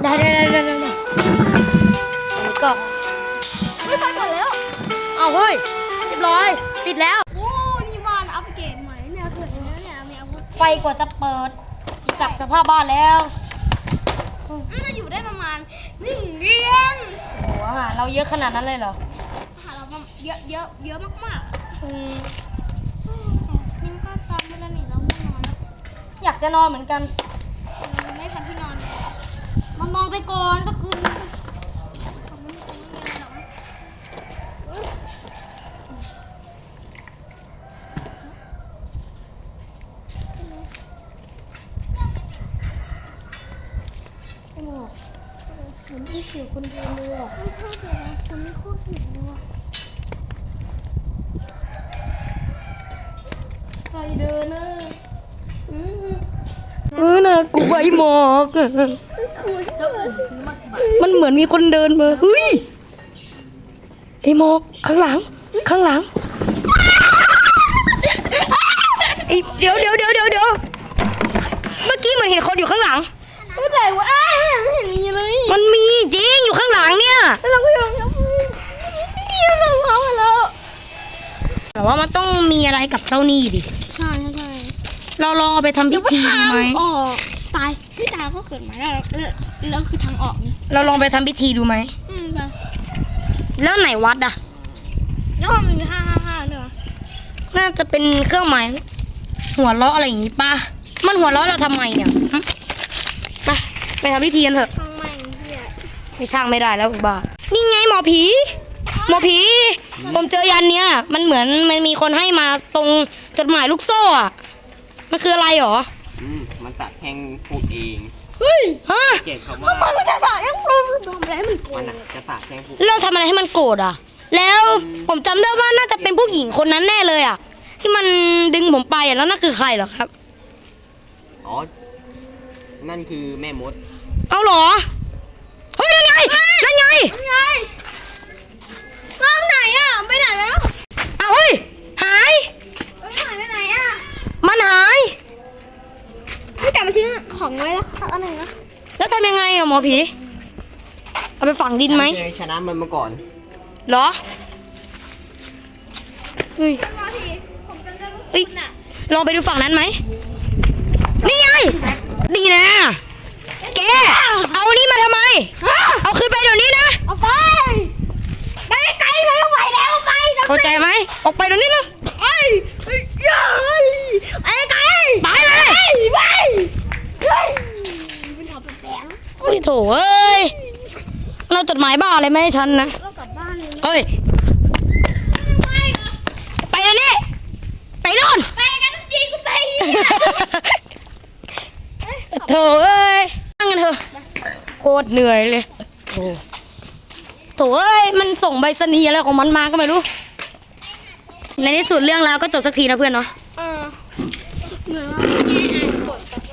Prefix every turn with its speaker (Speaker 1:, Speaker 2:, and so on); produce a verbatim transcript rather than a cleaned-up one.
Speaker 1: ได้ได้ได้ได้ได้อันนี้ก็
Speaker 2: ไม่ไฟก่อนแล้ว
Speaker 1: เอาเฮ้ยเรียบร้อยติดแล้ว
Speaker 2: โอ้นี่บ้านอัปเกรดใหม่เนี่ยสวยนะเนี่ยมีอาวุธ
Speaker 1: ไฟกว่าจะเปิดสับสภาพบ้านแล้ว
Speaker 2: น่าอยู่ได้ประมาณหนึ่งเดือน
Speaker 1: โอ้อาหารเราเยอะขนาดนั้นเลยเหรอ
Speaker 2: อาหารเราเยอะเยอะเยอะมากๆ
Speaker 1: อืม
Speaker 2: นี่ก็ตอนเวลาหนีเราไม่นอนแล้ว
Speaker 1: อยากจะนอนเหมือนกัน
Speaker 2: ไม่ทันที่นอนเลยนอนนอนไปก่อนก็คืนเหมือนที่ผิวคนเดินเลยอ่ะไม่ชอบเลยนะคนไม่โคตรผิวเลยว่ะใครเดินน่ะ
Speaker 1: เออน่ากลัวไอ้หมอกมันเหมือนมีคนเดินมาเฮ้ยไอ้หมอกข้างหลังข้างหลังไอ้เดี๋ยวเดี๋ยวเดี๋ยวเดี๋ยวเดี๋ยวเมื่อกี้เหมือนเห็นคนอยู่ข้างหลัง
Speaker 2: ไม่ไหนวะไม่เห็นมีเลย
Speaker 1: มันมีจริงอยู่ข้างหลังเนี่ย
Speaker 2: เราก็ยังยังเราเขามาแล้ว
Speaker 1: แต่ว่ามันต้องมีอะไรกับเจ้านี่ดิ
Speaker 2: ใช่ใช่
Speaker 1: เราลองเอาไปทำพิธีดีไหม
Speaker 2: ออกตายพี่ตาก็เกิดมาแล้วแล้วคือทางออกนี่
Speaker 1: เราลองไปทำพิธีดูไหม
Speaker 2: อืมไป
Speaker 1: แล้วไหนวัดอ่ะ
Speaker 2: แล้วมันมีห้าห้าห้าเนอะ
Speaker 1: น่าจะเป็นเครื่องหมายหัวเราะอะไรอย่างงี้ป่ะมันหัวเราะเราทำไมเนี่ยไปไปทำพิธีกันเถอะ
Speaker 2: ทำไมเนี่ย
Speaker 1: ไม่ช่างไม่ได้แล้วบ้านี่ไงหมอผีหมอผีผมเจอยันเนี้ยมันเหมือนมันมีคนให้มาตรงจดหมายลูกโซ่อะมันคืออะไรหรอ
Speaker 3: อืมมันสาบแช่งพูดเอง
Speaker 2: เฮ้ย
Speaker 1: ฮะ
Speaker 3: เจ็บคำว่า
Speaker 2: มันจะสาบแช่งพูดทำอะไรมันโกรธ
Speaker 3: มันอ่ะจะสาบแช่งพูด
Speaker 1: เราทำอะไรให้มันโกรธอ่ะแล้วผมจำได้ว่าน่าจะเป็นผู้หญิงคนนั้นแน่เลยอ่ะที่มันดึงผมไปอ่ะแล้วนั่นคือใครเหรอครับ
Speaker 3: อ๋อนั่นคือแม่มด
Speaker 1: เอาเหรอเฮ้ยนั่นไงนั่นไง
Speaker 2: นั่นไงมองไหนอ่ะไปไหนแล้ว
Speaker 1: เอาเฮ้ยหาย
Speaker 2: ไปไหนไปไหนอ่ะ
Speaker 1: มันหาย
Speaker 2: ไม่กลับมาทิ้งของไว้แล้วอะไรนะ
Speaker 1: แล้วทำยังไงอ่ะหมอผีเอาไปฝังดินไหม
Speaker 3: ชนะมันมาก่อน
Speaker 1: เหรอเฮ้ยเฮ้ยลองไปดูฝั่งนั้นไหมนี่ไงดีนะแกเอานี่มาทำไมเอาขึ้นไปเดี๋ยวนี้นะ
Speaker 2: เอาไปไปไกลเลยเอาไปแล้วไป
Speaker 1: เข้าใจไหมออกไปเดี๋ยวนี้นะ
Speaker 2: ไอ้ยัยไอ้ไกล
Speaker 1: ไปเลย
Speaker 2: ไปเฮ้ยมันทำเป็นแสง
Speaker 1: โอ้ยโถเอ้ยเราจดหมายบ้าอะไรไม่ให้ฉันนะ
Speaker 2: เรากลับบ้านเลย
Speaker 1: เฮ้ยไปเดี๋ยวนี้ไปโน่น
Speaker 2: ไปกันจริงกูไป
Speaker 1: โถเอ้ยนั่งกันเถอะโคตรเหนื่อยเลยโถโถเอ้ยมันส่งใบสนีอะไรของมันมาก็ไม่รู้ในที่สุดเรื่องราวก็จบสักทีนะเพื่อนเนาะ
Speaker 2: เออเหนื่อยมาก